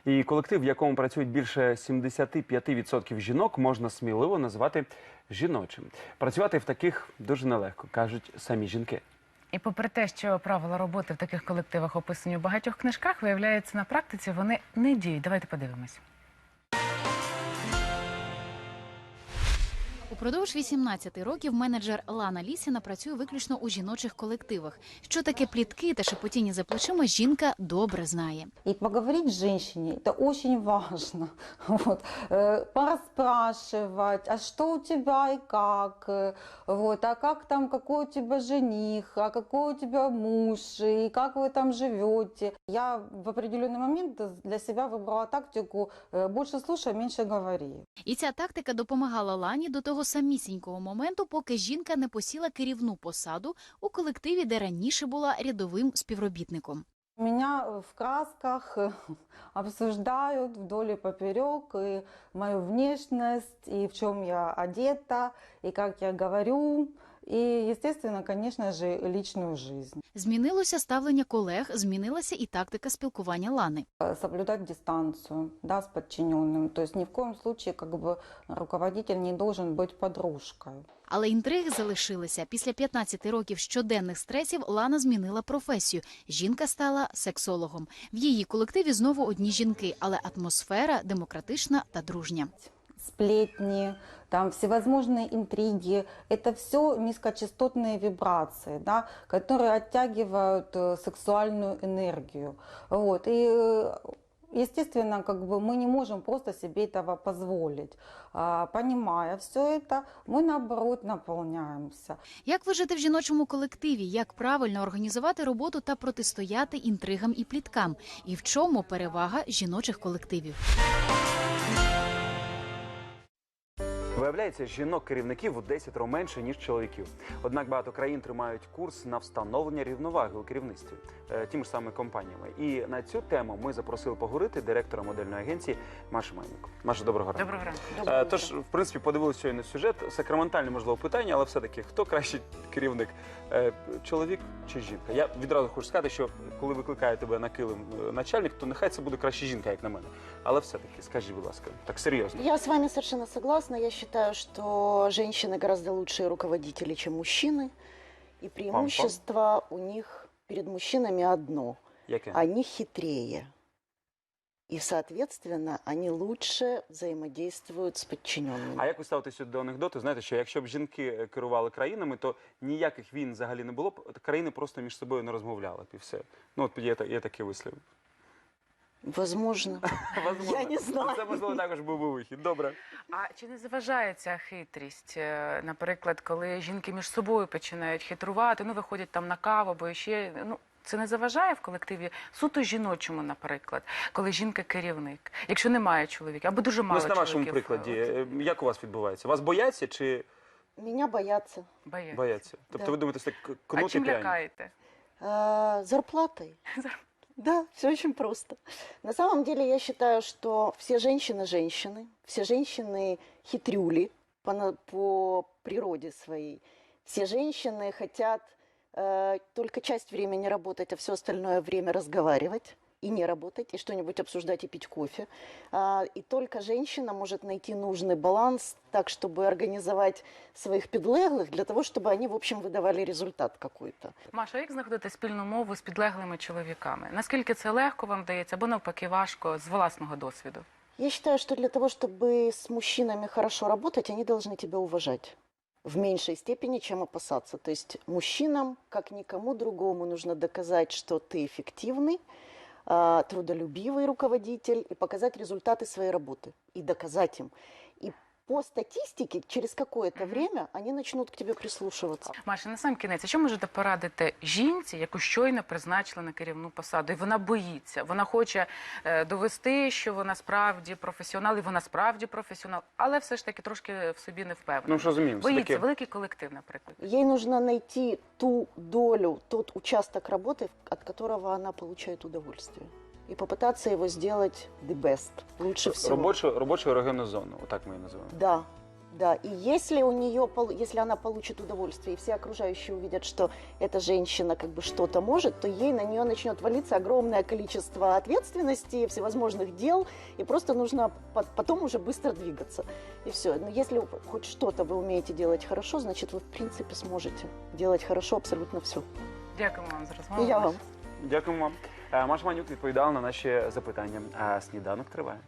І колектив, в якому працюють більше 75% жінок, можна сміливо назвати жіночим. Працювати в таких дуже нелегко, кажуть самі жінки. І попри те, що правила роботи в таких колективах описані у багатьох книжках, виявляється, на практиці вони не діють. Давайте подивимось. Упродовж 18 років менеджер Лана Лісіна працює виключно у жіночих колективах. Що таке плітки та шепотіння за плечима, жінка добре знає. И поговорить с женщиной – это очень важно. Вот. Пораспрашивать, а что у тебя и как, вот. А как там, какой у тебя жених, а какой у тебя муж, и как вы там живете. Я в определенный момент для себя выбрала тактику «больше слушай, меньше говори». І ця тактика допомагала Лані до того самісінького моменту, поки жінка не посіла керівну посаду у колективі, де раніше була рядовим співробітником. Меня в красках обсуждают вдоль и поперек, и мою внешность, и в чем я одета, и как я говорю, и, естественно, конечно же, личную жизнь. Змінилося ставлення колег, змінилася і тактика спілкування Лани. Соблюдать дистанцию, да, с подчиненным. То есть ни в коем случае как бы руководитель не должен быть подружкой. Але інтриги залишилися. Після 15 років щоденних стресів Лана змінила професію. Жінка стала сексологом. В її колективі знову одні жінки, але атмосфера демократична та дружня. Сплетни, там всевозможные интриги, это все низкочастотные вибрации, да, которые оттягивают сексуальную энергию. Вот. И, естественно, как бы мы не можем просто себе этого позволить. Понимая все это, мы, наоборот, наполняемся. Як вижити в жіночому колективі? Як правильно організувати роботу та протистояти інтригам і пліткам? І в чому перевага жіночих колективів? Виявляється, жінок-керівників у 10 разів менше, ніж чоловіків. Однак багато країн тримають курс на встановлення рівноваги у керівництві тими ж самими компаніями. І на цю тему ми запросили поговорити директора модельної агенції Машу Мельник. Маша, доброго ранку. Доброго ранку. Тож, в принципі, подивилися щойно сюжет. Сакраментальне, можливо, питання, але все-таки, хто кращий керівник? Чоловік чи жінка? Я відразу хочу сказати, що коли викликає тебе на килим начальник, то нехай це буде краще жінка, як на мене. Але все-таки, скажіть, будь ласка, так серйозно. Я с вами совершенно согласна. Я считаю, что женщины гораздо лучшие руководители, чем мужчины. И преимущество у них перед мужчинами одно. Яке? Они хитрее. И, соответственно, они лучше взаимодействуют с подчиненными. А як ви ставитеся до анекдоту? Знаєте, що якщо б жінки керували країнами, то ніяких війн взагалі не було б, країни просто між собою не розмовляли б і все. Ну, от є такий вислів. Возможно. Я не знаю. Це, можливо, також був би вихід. Добре. А чи не заважає ця хитрість? Наприклад, коли жінки між собою починають хитрувати, ну, виходять там на каву або ще, ну, це не заважає в колективі суто жіночому, наприклад, коли жінка керівник, якщо немає чоловіка, або дуже мало Ось на вашому чоловіків, прикладі, як у вас відбувається? Вас бояться чи Меня боятся. бояться? Тобто Да. ви думаєте, це А кнут і чим пряник? лякаєте? Зарплатой. Да, все очень просто. На самом деле я считаю, что все женщины женщины, все женщины хитрюли по природе своей. Все женщины хотят только часть времени работать, а все остальное время разговаривать и не работать, и что-нибудь обсуждать и пить кофе. И только женщина может найти нужный баланс так, чтобы организовать своих підлеглих для того, чтобы они, в общем, выдавали результат какой-то. Маша, як знаходити спільну мову з підлеглими чоловіками? Наскільки це легко вам дається, або навпаки важко з власного досвіду? Я считаю, что для того, чтобы с мужчинами хорошо работать, они должны тебя уважать в меньшей степени, чем опасаться. То есть мужчинам, как никому другому, нужно доказать, что ты эффективный, трудолюбивый руководитель и показать результаты своей работы. И доказать им. И по статистике, через какое-то время они начнут к тебе прислушиваться. Маша, на сам кінець, що можете порадити жінці, яку щойно призначили на керівну посаду, і вона боїться, вона хоче довести, що вона справді професіонал, і вона справді професіонал, але все ж таки трошки в собі не впевнена. Ну, що розуміємо, Боїться, все-таки великий колектив, наприклад. Ей нужно найти ту долю, тот участок работы, от которого она получает удовольствие. И попытаться его сделать the best, лучше всего. робочу ерогенну зону, отак ми її називаємо. Да. Да, и если у нее, если она получит удовольствие, и все окружающие увидят, что эта женщина как бы что-то может, то ей на нее начнет валиться огромное количество ответственности, всевозможных дел, и просто нужно потом уже быстро двигаться. И все. Но если хоть что-то вы умеете делать хорошо, значит, вы в принципе сможете делать хорошо абсолютно все. Дякуємо вам за розмову. И я вам. Дякуємо вам. Маша Манюк відповідала на наші запитання. А сніданок триває.